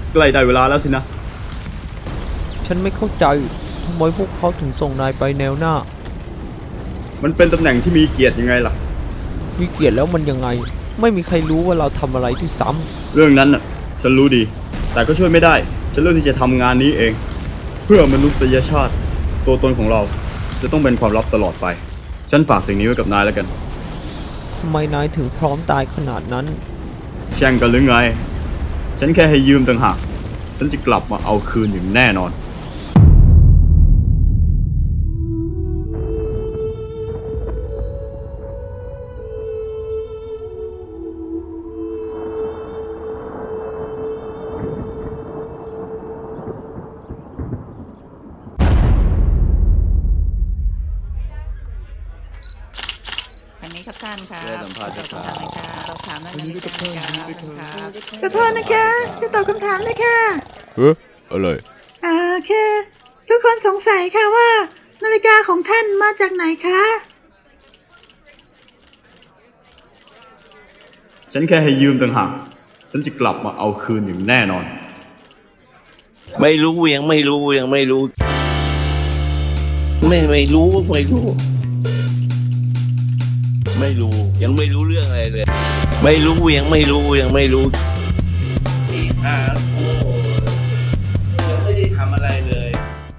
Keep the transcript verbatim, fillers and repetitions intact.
ใกล้ได้เวลาแล้วสินะฉันไม่เข้าใจทำไมพวกเขาถึงส่งนายไปแนวหน้ามันเป็นตำแหน่งที่มีเกียรติยังไงล่ะมีเกียรติแล้วมันยังไงไม่มีใครรู้ว่าเราทำอะไรที่ซ้ำเรื่องนั้นน่ะฉันรู้ดีแต่ก็ช่วยไม่ได้ฉันเลือกที่จะทำงานนี้เองเพื่อมนุษยชาติตัวตนของเราจะต้องเป็นความลับตลอดไปฉันฝากสิ่งนี้ไว้กับนายแล้วกันทำไมนายถึงพร้อมตายขนาดนั้นแช่งกันหรือไงฉันแค่ให้ยืมต่างหากฉันจะกลับมาเอาคืนอย่างแน่นอนอันนี้ครับท่านครับเชิญสัมภาษณ์ครับเราถามได้ไหมครับขอโทษนะคะช่วยตอบคำถามเลยค่ะเอ๊ะอะไรอ่าคือทุกคนสงสัยค่ะว่านาฬิกาของท่านมาจากไหนคะฉันแค่ให้ยืมต่างหากฉันจะกลับมาเอาคืนอย่างแน่นอนไม่รู้ยังไม่รู้ยังไม่รู้ไม่ไม่รู้ไม่รู้ไม่รู้ยังไม่รู้เรื่องอะไรเลยไม่รู้ยังไม่รู้ยังไม่รู้อ่า